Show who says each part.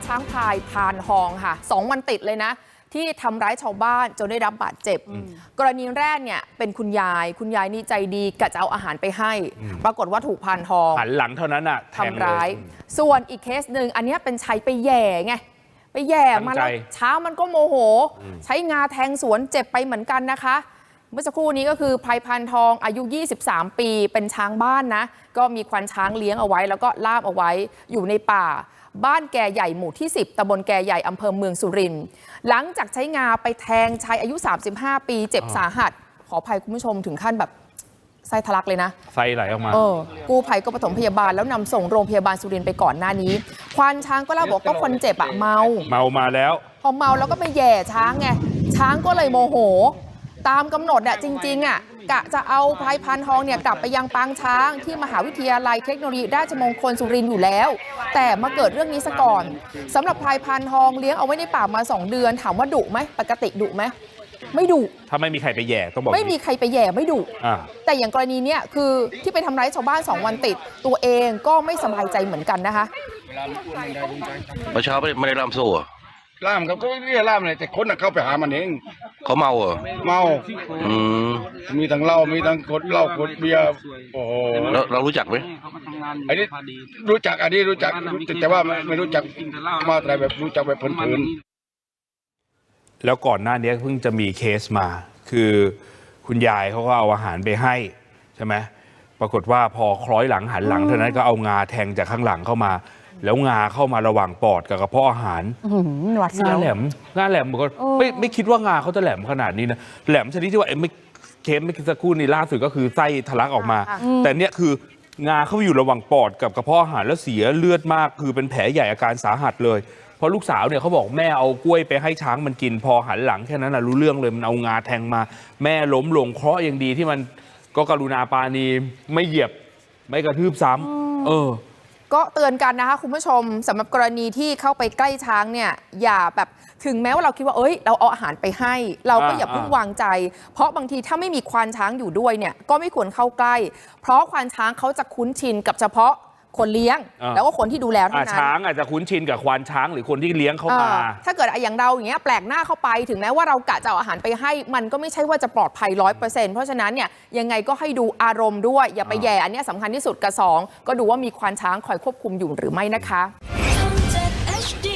Speaker 1: ช้างพลายพานทองค่ะ2 วันติดเลยนะที่ทำร้ายชาวบ้านจนได้รับบาดเจ็บกรณีแรกเนี่ยเป็นคุณยายนี่ใจดีกะจะเอาอาหารไปให้ปรากฏว่าถูกพานทอง
Speaker 2: หันหลังเท่านั้นอ่ะ
Speaker 1: ทำร้ายส่วนอีกเคสหนึ่งอันนี้เป็นชัยไปแย่ไงไปแย่มาแล้วช้างมันก็โมโหใช้งาแทงสวนเจ็บไปเหมือนกันนะคะเมื่อสักครู่นี้ก็คือพลายพานทองอายุ23 ปีเป็นช้างบ้านนะก็มีควานช้างเลี้ยงเอาไว้แล้วก็ล่ามเอาไว้อยู่ในป่าบ้านแก่ใหญ่หมู่ที่10ตำบลแก่ใหญ่อำเภอเมืองสุรินทร์หลังจากใช้งาไปแทงชายอายุ35 ปีเจ็บสาหัสขออภัยคุณผู้ชมถึงขั้นแบบไส้ทะลักเลยนะ
Speaker 2: ไส้ไหลออกมา
Speaker 1: กู้ภัยก็ปฐมพยาบาลแล้วนำส่งโรงพยาบาลสุรินทร์ไปก่อนหน้านี้ควานช้างก็เล่าบอกก็คนเจ็บเมา
Speaker 2: มาแล้ว
Speaker 1: พอเมาแล้วก็ไปแย่ช้างไงช้างก็เลยโมโหตามกำหนดจริงๆกะจะเอาพลายพานทองเนี่ยกลับไปยังปางช้างที่มหาวิทยาลัยเทคโนโลยีราชมงคลสุรินทร์อยู่แล้วแต่มาเกิดเรื่องนี้ซะก่อนสำหรับพลายพานทองเลี้ยงเอาไว้ในป่ามา2 เดือนถามว่าดุไหมปกติดุไหมไม่ดุ
Speaker 2: ถ้าไม่มีใครไปแย่ต้องบอก
Speaker 1: ไม่มีใครไปแย่ไม่ดุแต่อย่างกรณีเนี้ยคือที่ไปทำร้ายชาวบ้าน2 วันติดตัวเองก็ไม่สบายใจเหมือนกันนะคะ
Speaker 3: เมื่อเช้าไม่ได้ล่ามโซ่
Speaker 4: ล่ามเขาก็เรียกล่ามเลยแต่คนน่ะเข้าไปหามันเอง
Speaker 3: เขาเมาเหรอ
Speaker 4: เมามีทั้งเหล้ามีทั้งกดเหล้ากดเบียร์โอ้โห
Speaker 3: เรารู้จักไหม
Speaker 4: อันนี้รู้จักอันนี้รู้จักแต่ว่าไม่รู้จักมาแต่แบบรู้จักแบบเผิน
Speaker 2: ๆแล้วก่อนหน้านี้เพิ่งจะมีเคสมาคือคุณยายเขาก็เอาอาหารไปให้ใช่ไหมปรากฏว่าพอคล้อยหลังหันหลังเท่านั้นก็เอางาแทงจากข้างหลังเข้ามาแล้วงาเข้ามาระหว่างปอดกับกระเพาะอาหารงาแหลมก็ไม่คิดว่างาเขาจะแหลมขนาดนี้นะแหลมชนิดที่ว่าเคสไม่สักครู่นี้ล่าสุดก็คือไส้ทะลักออกมาแต่เนี่ยคืองาเข้าอยู่ระหว่างปอดกับกระเพาะอาหารแล้วเสียเลือดมากคือเป็นแผลใหญ่อาการสาหัสเลยเพราะลูกสาวเนี่ยเขาบอกแม่เอากล้วยไปให้ช้างมันกินพอหันหลังแค่นั้นนะรู้เรื่องเลยมันเอางาแทงมาแม่ล้มลงเคราะห์ยังดีที่มันก็กรุณาปาณีไม่เหยียบไม่กระทืบซ้ำ
Speaker 1: ก็เตือนกันนะคะคุณผู้ชมสำหรับกรณีที่เข้าไปใกล้ช้างเนี่ยอย่าแบบถึงแม้ว่าเราคิดว่าเราเอาอาหารไปให้เราก็อย่าเพิ่งวางใจเพราะบางทีถ้าไม่มีควานช้างอยู่ด้วยเนี่ยก็ไม่ควรเข้าใกล้เพราะควานช้างเขาจะคุ้นชินกับเฉพาะคนเลี้ยงแล้วก็คนที่ดูแลเท่านั้น
Speaker 2: ช้างอาจจะคุ้นชินกับควานช้างหรือคนที่เลี้ยงเข้ามา
Speaker 1: ถ้าเกิดอย่างเราอย่างเงี้ยแปลกหน้าเข้าไปถึงแม้ว่าเรากะจะเอาอาหารไปให้มันก็ไม่ใช่ว่าจะปลอดภัย 100% เพราะฉะนั้นเนี่ยยังไงก็ให้ดูอารมณ์ด้วยอย่าไปแย่อันนี้สำคัญที่สุดกับ2ก็ดูว่ามีควานช้างคอยควบคุมอยู่หรือไม่นะคะ